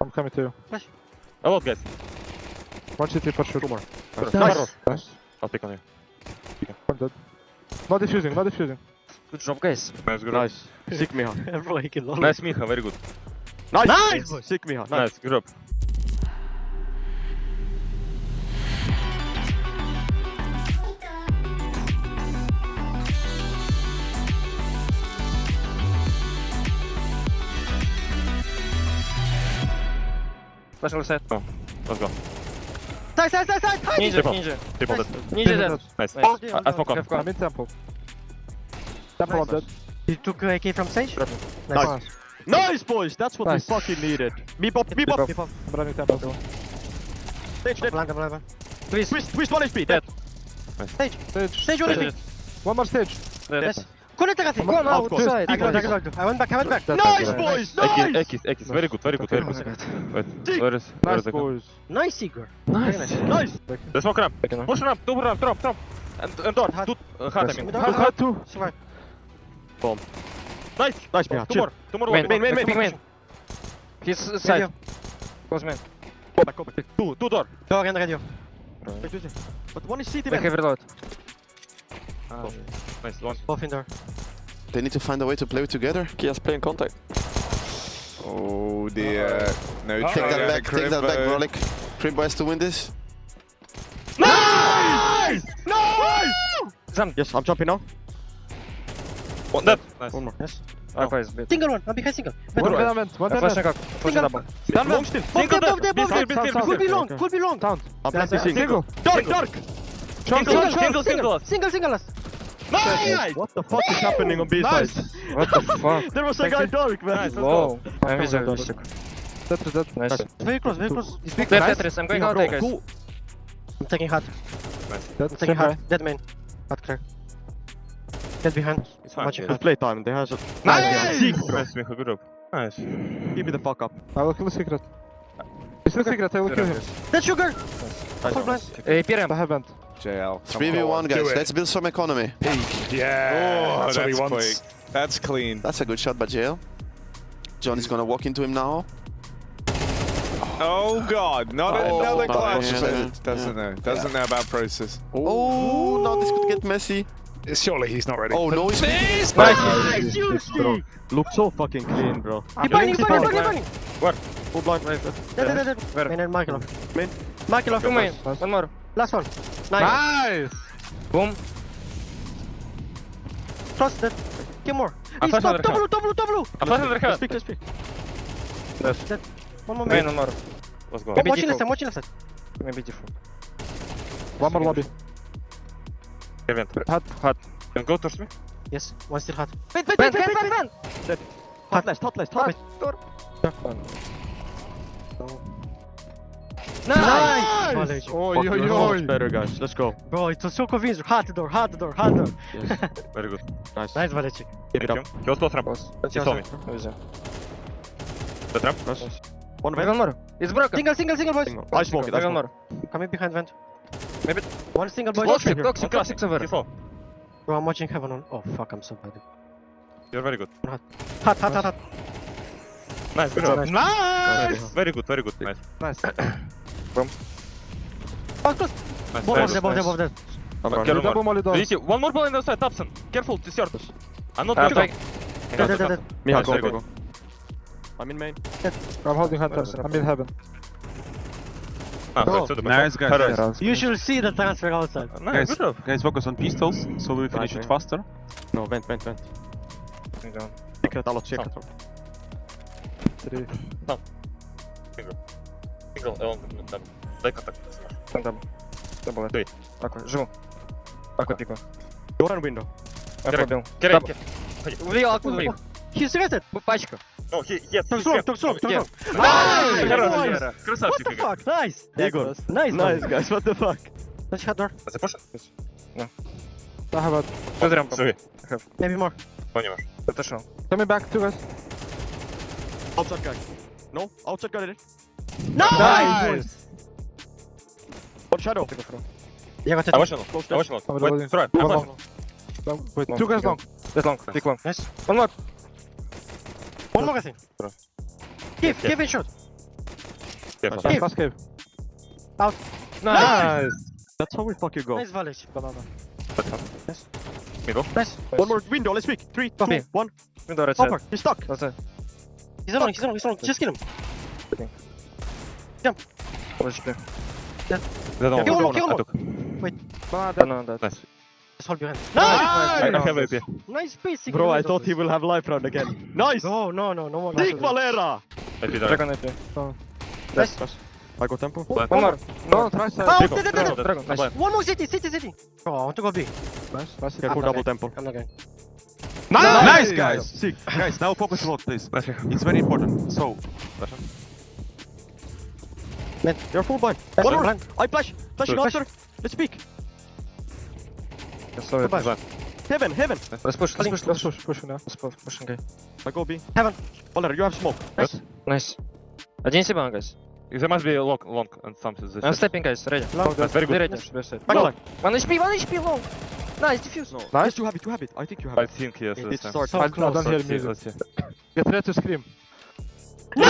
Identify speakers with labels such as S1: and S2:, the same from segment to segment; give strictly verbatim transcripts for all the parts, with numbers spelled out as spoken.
S1: I'm coming to you.
S2: A lot, guys.
S1: One city for sure.
S2: Two more.
S1: Nice.
S2: Nice.
S1: Nice.
S2: I'll pick on you.
S1: One dead. Not defusing, not defusing.
S3: Good job, guys.
S2: Nice, good.
S4: Nice. Sick Miha.
S3: Bro, he can lol.
S2: Nice, Miha, very good.
S4: Nice!
S3: Nice!
S4: Sick Miha. Nice.
S2: Nice, good job.
S3: Flash on the side.
S2: Oh, let's go.
S3: Side, side, side, side! Ninja,
S2: Triple.
S3: ninja.
S2: Triple
S3: Nice.
S2: dead.
S3: Ninja dead.
S2: Nice.
S3: Nice.
S2: I, I smoke on.
S3: Have gone.
S1: I'm in temple. Temple, I'm dead.
S3: You took uh, A K from stage?
S4: Nice. Nice, boys! That's what
S1: Nice.
S4: we fucking needed. Me pop, me pop.
S1: Beep up. I'm running temple.
S4: Stage dead.
S3: Blind, blind, blind. Please.
S4: Twist, twist one H P. Dead.
S3: Stage.
S1: Stage.
S3: Stage one H P.
S1: One more stage.
S3: Yes. Connect the
S1: Come on,
S3: Go now,
S1: out,
S3: to side. I
S1: out.
S3: got, I got, I went back, I went back.
S1: Dead,
S4: Nice,
S1: dead, dead.
S4: boys!
S2: Ekis,
S4: Nice!
S2: Ekis, Ekis. Very good, very good, very good. Wait, where is, where
S1: Nice
S2: is the
S1: boys.
S3: Nice, Igor.
S1: Nice.
S4: Nice!
S2: The smoke ramp. Push ramp, two ramp, drop, drop. And, and door.
S3: Hard.
S2: Two, uh, hard, I mean.
S3: Mid-
S1: Two hard, two.
S3: Survive.
S4: Nice! Nice, Miha.
S2: Two
S4: Chill.
S2: more, two more.
S3: Main,
S2: one.
S3: main, main,
S2: Big
S3: main,
S2: main.
S3: main. He's uh, side. Close main.
S4: Go back, go back.
S2: Two, two door.
S3: Door and radio.
S4: Wait, wait, wait. But one is C T,
S3: Back
S4: man.
S3: heavy reload.
S2: Nice, one.
S3: Both in door.
S5: They need to find a way to play together.
S6: Kia's playing contact.
S7: Oh dear. No
S5: Take
S7: try
S5: that
S7: on
S5: back,
S7: the
S5: take that back,
S7: Crimbo.
S5: Brolik. Crimbo has to win this.
S4: Nice! Nice!
S3: Jump.
S4: Yes, I'm jumping now.
S2: One dead. Nice.
S4: One more.
S3: Yes.
S2: Oh.
S3: Alpha is bit. Single one. I'm behind single.
S1: One
S3: Better.
S1: dead, man. One
S3: Flash
S1: dead.
S3: and cock. Flash and double.
S4: Long still.
S3: Both
S4: Single
S3: there, both there,
S4: dead.
S3: both there.
S4: Be safe, be safe,
S3: Could
S4: be
S3: be
S4: safe.
S3: long, could be long.
S1: Sound.
S4: I'm planting
S3: Single.
S4: single. Dark, dark!
S1: Chunk,
S3: Single,
S1: chunk, chunk.
S3: single, single, single, single, last.
S4: Nice! What the fuck is happening on B side?
S3: What the fuck?
S4: There was a guy dark, man.
S3: Whoa. I'm with you.
S1: Dead to dead.
S3: Nice. Very close, very close.
S1: He's big.
S3: Left
S1: Nice.
S3: Tetris, I'm going
S4: Miha,
S3: out
S4: bro,
S3: there, guys.
S4: cool.
S3: I'm taking hard.
S1: Dead.
S3: I'm taking
S1: Same
S3: hard.
S1: guy.
S3: Dead main. Hard clear. Get behind.
S2: It's fine.
S3: Watching
S4: It's
S3: hard.
S4: playtime. They has a...
S2: Nice!
S4: Sick, bro.
S2: Nice, Miha, good job. Nice.
S4: Keep me the fuck up.
S1: I will kill the secret. He's the secret, I will kill him.
S3: Dead sugar! Full blind. Hey, P R M.
S1: I haven't.
S7: J L.
S5: three v one, guys. Let's build some economy.
S7: Yeah,
S6: Oh,
S7: that's,
S6: that's what he wants.
S7: quick. That's clean.
S5: That's a good shot by J L. John is gonna walk into him now.
S7: Oh god, not
S5: Oh,
S7: another
S5: no,
S7: clutch.
S5: yeah.
S7: Doesn't know. Doesn't know about process.
S5: Oh, now this could get messy.
S6: Surely he's not ready.
S5: Oh no, he's
S3: Nice!
S4: Nice, bro. Look so fucking clean, bro.
S3: Keep burning, keep burning, keep burning!
S4: Full blind.
S3: Dead, dead, dead, dead.
S2: Where?
S3: Main and Markilov.
S4: Main.
S3: Markilov, two main.
S1: Nice.
S3: One more. Last one. Nice.
S1: Nice!
S3: Boom. Cross dead. Two more.
S2: I'm
S3: He's
S2: flashing
S3: top,
S2: under
S3: top
S2: her.
S3: blue, top blue, top blue.
S2: I'm flashing under
S4: Let's
S2: her.
S4: pick, let's pick.
S3: Dead. One more
S2: Main,
S3: main.
S2: one more. Let's go.
S3: I'm watching left, I'm watching left. Maybe different.
S1: One more lobby.
S2: Kevin.
S1: Hot.
S2: Hot. Can go towards me?
S3: Yes, one still hot.
S4: Wait, wait,
S3: Vent,
S4: wait,
S3: vent,
S4: wait,
S3: vent,
S4: wait.
S3: vent.
S4: Hot left, hot left, hot left.
S3: Nice!
S4: Nice!
S3: Volley.
S1: Oi,
S4: Fuck,
S1: oi,
S4: you're so much
S1: oi.
S4: better, guys. Let's go.
S3: Bro, it was so convincing. Hard door, hard door, hard door.
S2: Very good.
S4: Nice.
S3: Nice, Valechik.
S4: Keep it
S2: Thank
S4: up.
S2: you. He was close ramp. He saw me. The trap?
S4: Nice. One
S3: One
S4: vent.
S3: more. It's broken. Single, single, single, boys.
S4: Single. I smoke it, I
S3: One
S4: smoke
S3: more. Coming behind vent.
S2: Maybe.
S3: One single, boys.
S2: Toxic,
S3: Here.
S2: toxic,
S3: One toxic
S2: toxic.
S3: over.
S2: He saw.
S3: Bro, I'm watching heaven on. Oh, fuck, I'm so bad.
S2: You're very good.
S3: Hot, hot, hot, hot.
S2: Nice, good job.
S3: Nice.
S2: Nice. Very good, very good. Nice.
S1: Nice.
S3: Oh, close.
S2: Nice.
S3: Both
S2: Very
S3: of them,
S2: good.
S3: both of them, both of them.
S4: I'm
S2: Okay.
S4: running.
S2: Careful.
S1: Double molly
S2: Do
S1: door.
S2: you see? One more ball in the side, Thompson. Careful, it's yours. I'm not
S3: Uh,
S2: going
S3: take-
S2: to
S3: Dead, dead, dead, dead.
S4: Miha,
S2: Nice,
S4: go,
S2: very
S4: go,
S2: good.
S4: go. I'm in main.
S1: I'm holding hunters. I'm in heaven.
S2: Ah,
S3: Bro.
S2: so the
S8: Nice, guys.
S2: Paradise.
S3: You should see the transfer outside.
S2: Nice,
S8: Guys,
S2: good job.
S8: guys, focus on pistols, so we finish
S4: Nice,
S8: it
S4: man.
S8: faster.
S4: No, vent, vent, vent. Secret, alla secret.
S1: Three.
S2: Single, он там. Дай контакт.
S3: Там дабл. Дабл это.
S2: Стой.
S3: Аква, живу. Аква пику.
S4: Door and window.
S3: Аква бил.
S2: Керек.
S3: Увидел Аква убил. He's rested. Пачка.
S2: Ну, he, yes,
S3: Top
S2: he's
S3: strong,
S2: here.
S3: top strong, top
S2: Yeah.
S3: strong. Nice!
S2: Хорош,
S3: Nice!
S2: Вера.
S3: What
S2: Красавчик,
S3: the
S2: Игорь.
S3: fuck? Nice!
S4: Yeah, good.
S3: Nice,
S4: Nice, guys. What the fuck?
S3: Let's head door.
S2: А запушен?
S1: I have a.
S3: Good ramp.
S2: Sorry.
S3: Maybe more.
S2: Понял.
S3: Это шел.
S1: Coming back, two guys.
S4: Outside guy. No, outside guy.
S3: Nice!
S4: One shadow.
S3: Я got it.
S2: I watch long.
S4: Close
S2: I watch long.
S1: I'm
S2: Wait,
S1: reloading.
S2: throw it. I'm
S1: One
S2: flashing.
S1: more. Long. Wait,
S3: Long.
S1: two guys long.
S3: That's long. Big long. Nice. One more. One more, I think.
S2: Bro.
S3: Give, give it shot.
S7: Careful.
S1: Last, last cave.
S2: Nice.
S4: That's how we fucking go.
S3: Nice village.
S1: Banana.
S2: Middle.
S3: Nice.
S4: One more window, let's speak. Three, two,
S3: Okay.
S4: one.
S2: Window right side.
S4: Over. He's stuck.
S1: That's it.
S3: He's alone, he's alone, he's alone. Just kill him.
S1: Let's play.
S2: They don't
S3: Kill
S2: want
S3: him, kill
S2: I
S3: him.
S2: took.
S1: Banana,
S2: Banana dead. Nice.
S3: Just hold behind.
S2: I,
S3: Nice!
S2: I have A P.
S3: Nice basic.
S4: Bro, I thought he will have life round again. Nice!
S3: No, no, no, no more.
S4: Sick Valera!
S2: A P there.
S1: Dragon A P.
S3: Nice.
S4: I got tempo.
S2: Blind.
S1: One more. No, try side.
S3: Oh,
S2: Dragon,
S3: dead, dead,
S2: Dragon,
S3: dead.
S2: Dragon. Nice.
S3: One more city, city, city. Oh, I want to go B.
S1: Nice. Nice.
S4: Careful,
S3: I'm not
S4: double
S3: going.
S4: tempo.
S3: I'm not going.
S8: Nice,
S1: Nice.
S8: guys. Sick. Guys, now focus a lot, please.
S2: Nice.
S8: It's very important. So,
S4: You're full blind.
S3: Nice.
S4: One more.
S3: Blind.
S4: I flash. Flashing
S2: Good.
S4: after. Let's speak.
S1: Sorry.
S3: Goodbye.
S4: Heaven, heaven.
S2: Let's push. Let's push.
S1: Let's push. Push now.
S2: Let's push. Push. Okay.
S4: I go B.
S3: Heaven.
S4: Valera, you have smoke.
S3: Nice.
S2: Nice. Один себе, guys. There must be a long, long and something. I'm stepping, guys. Ready.
S3: Long.
S2: That's very good.
S1: Ready.
S2: Ready.
S1: Best side.
S4: Back
S3: No.
S4: line.
S2: One H P. One H P long. Nice. Diffuse.
S4: No.
S1: Nice.
S4: Yes, you have it, you have it. I think you have
S2: I
S4: it.
S2: think yes.
S4: It
S2: this time.
S4: starts.
S3: So
S1: I, I
S3: close.
S1: don't hear
S2: Let's see,
S1: music.
S2: let's see.
S1: Get ready to scream.
S2: Wait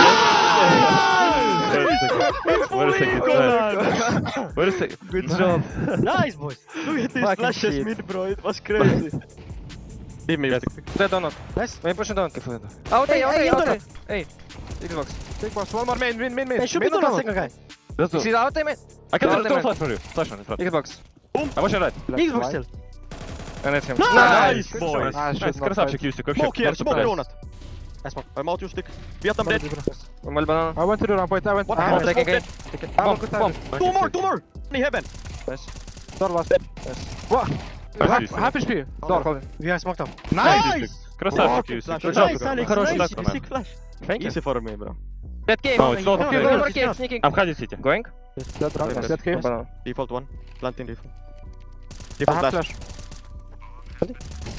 S2: a second. Wait a second. Wait a second.
S1: Good job.
S3: Nice, boys.
S4: Look at these
S1: Fucking
S4: flashes
S1: shit.
S4: mid, bro. It was crazy. Leave me,
S2: Yes. Dead or not?
S3: Nice.
S2: Maybe pushing down. Careful. Out
S3: Hey,
S2: A, out
S3: hey,
S2: A, out
S3: Inter.
S2: A. Hey. Xbox.
S1: Big boss. One more main. Main. Main. Main.
S3: Hey, should be
S1: Main
S3: doing a
S1: tunnel.
S3: second guy.
S2: Let's do. See out A, man. I can
S3: Out
S2: do
S3: A,
S2: a
S3: man.
S2: flash for you. Flash on in front. Xbox.
S4: Boom.
S2: I'm watching right.
S1: Left,
S3: Xbox
S1: right.
S3: still.
S2: And it's him.
S4: Nice,
S2: Nice.
S4: boys.
S1: Ah,
S2: Nice.
S1: shit, not
S2: Красавчик,
S1: right.
S2: Юсик. Вообще.
S4: Smoke here, smoke
S2: Nice.
S4: donut.
S3: Nice smoke.
S4: I'm out, you stick. Vietnam dead.
S2: One banana.
S1: I went to the ramp. Wait, I went.
S4: What
S1: I
S4: the
S1: went.
S4: fuck?
S2: Taking A.
S1: Taking-
S2: Bomb.
S1: good
S2: Bomb.
S1: timing.
S4: Two more, two more. In heaven.
S1: Door last. What?
S2: Nice,
S1: Half
S2: Юсик.
S1: half H P. Door.
S3: We are smoked up.
S4: Nice.
S2: Красавчик, Юсик. Good job.
S4: Nice, Alex.
S2: Хороший
S4: Nice.
S2: даг, man.
S4: Sick flash.
S2: Thank you.
S4: Easy for me, bro.
S2: Dead game.
S3: No,
S2: it's not
S3: no,
S2: okay.
S3: no,
S2: Go
S3: no,
S2: for cave,
S3: no.
S2: sneaking. I'm hiding city. Going?
S1: Dead ramp.
S2: Nice.
S1: Dead cave.
S2: Banana.
S4: Default one. Planting default.
S1: I
S4: Default
S1: have
S4: flash.
S1: flash.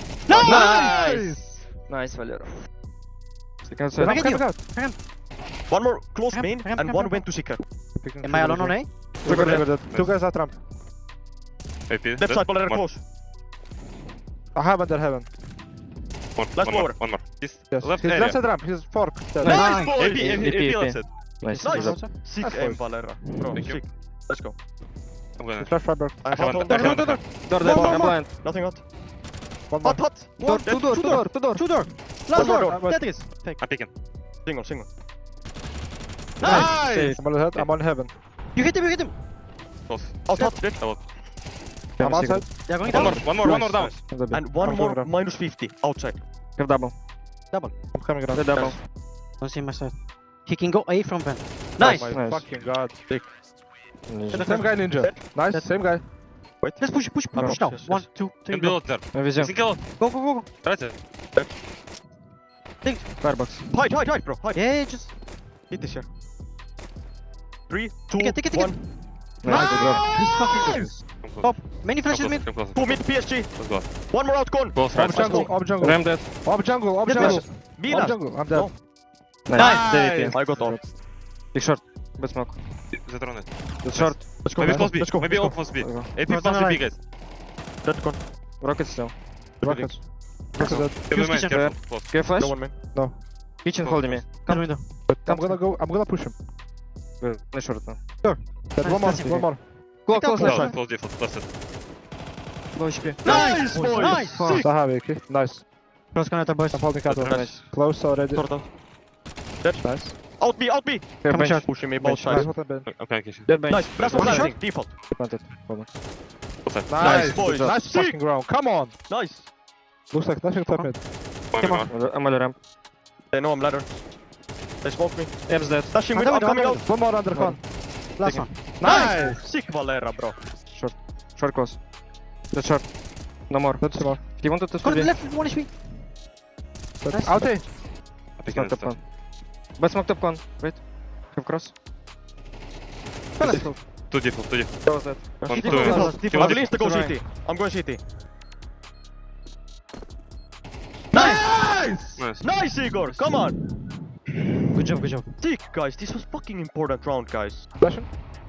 S2: Nice. Nice, Valero.
S1: Second side.
S3: Back
S1: I'm
S3: at you.
S1: coming out.
S4: One more close
S3: Ramp,
S4: main
S3: ramp,
S4: and
S3: ramp,
S4: one
S3: ramp.
S4: went to seeker.
S1: Picking
S3: Am I alone on A?
S1: Two guys dead. Two guys at ramp.
S2: A P.
S4: Left side, Valera
S2: One.
S4: close.
S1: I have under heaven.
S2: One,
S4: Last
S2: one more.
S4: floor.
S2: One more. He's
S1: Yes.
S2: left
S1: He's
S2: area.
S1: left side ramp. He's fork. Dead.
S4: Nice, boy.
S2: A P, A P, A P, left side. Nice.
S4: Nice.
S2: Good job.
S4: Sick
S1: Nice,
S4: aim,
S1: boys.
S4: Valera. Bro,
S2: Thank you.
S4: sick. Let's go.
S2: I'm gonna.
S1: Flash fiber.
S4: I
S2: I
S4: have
S2: haven't-
S4: all
S2: I haven't-
S1: door, door.
S2: Door,
S4: More,
S2: door,
S4: more,
S2: I'm
S4: more.
S2: blind.
S4: Nothing hot.
S1: One more.
S4: Hot, hot.
S1: Door,
S4: Dead.
S1: two door, two door, two door.
S3: Two door.
S4: One
S3: Last
S4: more
S3: door.
S4: door.
S3: Tetris. Take.
S2: I'm picking.
S4: Single, single.
S1: Nice. I'm on head. I'm on heaven.
S3: You hit him, you hit him.
S2: Close.
S4: Out, hot. Dead.
S1: I'm outside.
S3: They are going
S2: One
S3: down.
S2: more, one more, one more down.
S1: I'm the big.
S4: And one
S1: I'm
S4: more
S1: coming around.
S4: minus fifty outside.
S1: Give double.
S3: Double.
S1: I'm coming around.
S2: The double.
S3: Don't see my side. He can go A from Ben.
S4: Nice.
S1: Oh my
S2: Nice.
S1: fucking god.
S2: Ninja.
S1: Same guy ninja. Nice. Same guy.
S4: Wait.
S3: Let's push, push, push, push now.
S4: Yes, yes.
S3: One, two, three,
S2: Can
S3: go.
S2: build there.
S1: Мы везем.
S2: Single.
S3: Go, go, go, go.
S2: Тратьте.
S1: Firebox.
S4: Hide, hide, hide, bro. Hide.
S3: Yeah, yeah, just.
S4: Hit this here. Three, two,
S3: Take it, take it, take it.
S4: one.
S1: Nice, bro.
S3: He's fucking good.
S2: Come close.
S3: Top. Many
S2: Come
S3: flashes
S2: close,
S3: mid.
S2: come close.
S4: Two mid P S G.
S2: Let's go.
S4: One more out, gone.
S2: Close
S1: Ob
S2: right.
S1: jungle. Ob jungle.
S2: Ram dead.
S1: Ob jungle. Ob
S3: Dead
S1: jungle.
S3: flash.
S1: Ob
S4: Minas.
S1: jungle. I'm dead.
S4: No.
S2: Nice. D V P.
S4: I got all.
S2: Big short. Bad smoke. Затронет.
S1: It's short.
S4: Let's go.
S2: Maybe
S4: Let's
S2: close
S4: go.
S2: B.
S4: Let's go.
S2: Maybe
S4: Let's
S2: off
S4: go.
S2: was B.
S1: Let's go.
S2: A P
S3: First
S2: plus
S3: on the
S2: B,
S3: right.
S2: guys.
S4: Dead gone.
S2: Rocket still.
S1: Rockets. Rockets dead.
S2: Give me
S3: Use
S2: man,
S3: kitchen.
S2: careful. Close.
S3: Get flash.
S4: No one man.
S2: Kitchen Close, holding me.
S3: Come window.
S1: I'm gonna go. I'm gonna push him.
S2: Good. Nice short now.
S1: Dead. One more.
S3: Nice.
S1: One more.
S3: Go, close left
S2: Close,
S3: side.
S2: close default. That's it.
S3: Low H P.
S4: Nice, boys.
S3: Nice.
S4: Sick.
S1: Saha Vicky. Nice.
S3: Close connector, boys.
S1: I'm holding cattle.
S2: Nice.
S1: Close already.
S4: Sort out.
S1: Nice.
S4: Out B, out B.
S2: Here, bench.
S3: short.
S4: Pushing me both
S1: Nice.
S4: sides.
S1: What I've been.
S2: I'm coming kitchen.
S3: Dead bench.
S4: Nice. Last one
S3: One
S4: landing. Default.
S1: Planted. Hold on.
S2: Full side.
S1: Nice.
S4: boys.
S1: Good job. Nice
S4: Sick.
S1: fucking ground. Come on.
S4: Nice.
S1: Looks like nothing top mid.
S2: One
S3: Come
S2: more. I'm on the ramp.
S4: They know I'm ladder. They smoke me.
S2: M's dead.
S4: Dashing with,
S3: I'm
S4: I'm coming
S3: coming
S4: out.
S1: One more under con.
S3: Last one.
S4: Nice. Sick Valera, bro.
S2: Short close. The short. No more.
S1: That's more.
S2: He wanted to
S3: Go to the
S2: be.
S3: left, one H P. Nice.
S1: Out A.
S2: Smoke top con. But smoke top con. Wait. Have cross. Two default, two default.
S3: That was that.
S2: One, two.
S3: Default,
S2: He
S3: default.
S4: I
S2: was
S4: will insta go
S3: Right.
S4: C T. I'm going C T. Nice!
S2: Nice.
S4: Nice, Igor! Come on!
S3: Good job, good job.
S4: Sick, guys. This was fucking important round, guys.
S1: Flashing.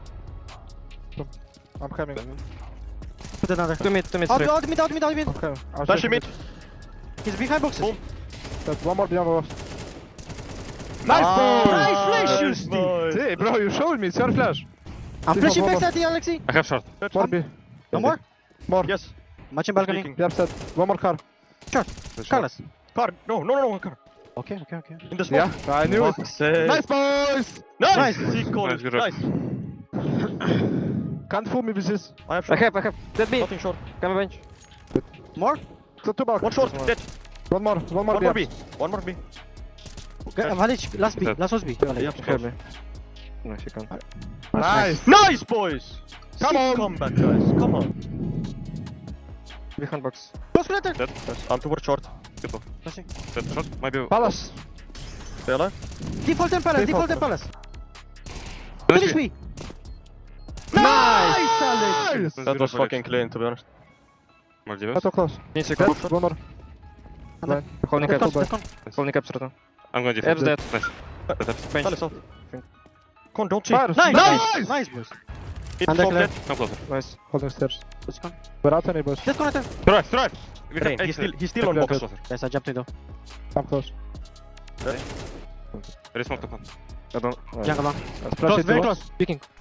S1: I'm coming.
S3: Put another.
S2: Two mid, two mid,
S3: Out,
S2: three.
S3: out, mid, out, mid, out, mid.
S1: I'm coming. I'm
S4: Flashing mid.
S3: He's behind boxes.
S4: Boom.
S1: Dead. One more beyond us.
S4: Nice,
S3: Nice Nice, you Steve.
S1: Hey, bro, you showed me. It's your flash.
S3: I'm
S1: Steve,
S3: flashing
S1: one
S3: backside the Alexi.
S2: I have short.
S1: More B.
S3: No more?
S1: More.
S8: Yes.
S3: Matching balcony.
S8: Peeking.
S1: Yep, set. One more car.
S3: Carlos.
S8: Car. No, no, no, no, car.
S3: Okay, okay, okay.
S8: In the smoke.
S1: Yeah, I knew it.
S8: Nice.
S1: Nice, boys.
S8: Nice.
S3: Nice.
S8: See, call
S2: Nice,
S8: it.
S2: good job.
S8: Nice.
S1: Can't fool me with this.
S8: I have
S2: I
S8: short.
S2: have, I have. Dead B.
S8: Nothing short.
S2: Come bench.
S3: More?
S1: So two back.
S8: One short. Dead.
S1: One more. One more.
S8: One
S1: B.
S8: more B. One more B.
S3: Okay, uh, Valic, last B.
S2: Dead.
S3: Last was B. Valic.
S8: Yep.
S2: Help me. Nice, you can.
S1: Nice.
S8: Nice, boys.
S1: Come
S8: Sick
S1: on.
S8: comeback, guys. Come on.
S2: Behind box.
S3: Close connector.
S2: Dead.
S8: Yes, I'm towards short. Good ball.
S3: Flashing.
S2: Dead short. Maybe.
S1: Palace.
S8: Stay alive.
S3: Default and Palace, default and Palace.
S2: Finish
S3: Finish
S2: me.
S3: me. Nice, Alex.
S8: That was fucking clean, to be honest.
S2: More
S1: Not
S2: divas.
S1: so close.
S2: Needs to
S1: Dead.
S2: come.
S1: One more. Blind.
S2: Holding
S3: Left
S2: caps.
S3: con, left con.
S2: Holding caps right now. I'm going defense.
S1: Dead.
S2: Nice. Dead, dead. Bench.
S8: Palace out. Come on, don't see.
S1: Fire.
S3: Nice,
S1: Nice.
S3: nice, nice, boys.
S8: Hit
S3: Under
S8: top
S3: clear.
S8: dead.
S2: Come closer. Nice.
S1: Holding stairs.
S3: Let's go.
S1: We're out any boys.
S3: Dead connector.
S2: Drive, drive. We
S8: Rain,
S2: can
S8: he's still, he's still
S1: Dead,
S8: on
S1: dead,
S8: box.
S1: dead.
S3: Guys, I jumped in though.
S1: Come close.
S2: Very smoke top one. I don't.
S3: Jungle long.
S1: Splash
S3: Close,
S1: it
S3: very
S1: to
S3: close.
S1: us.
S3: Peeking.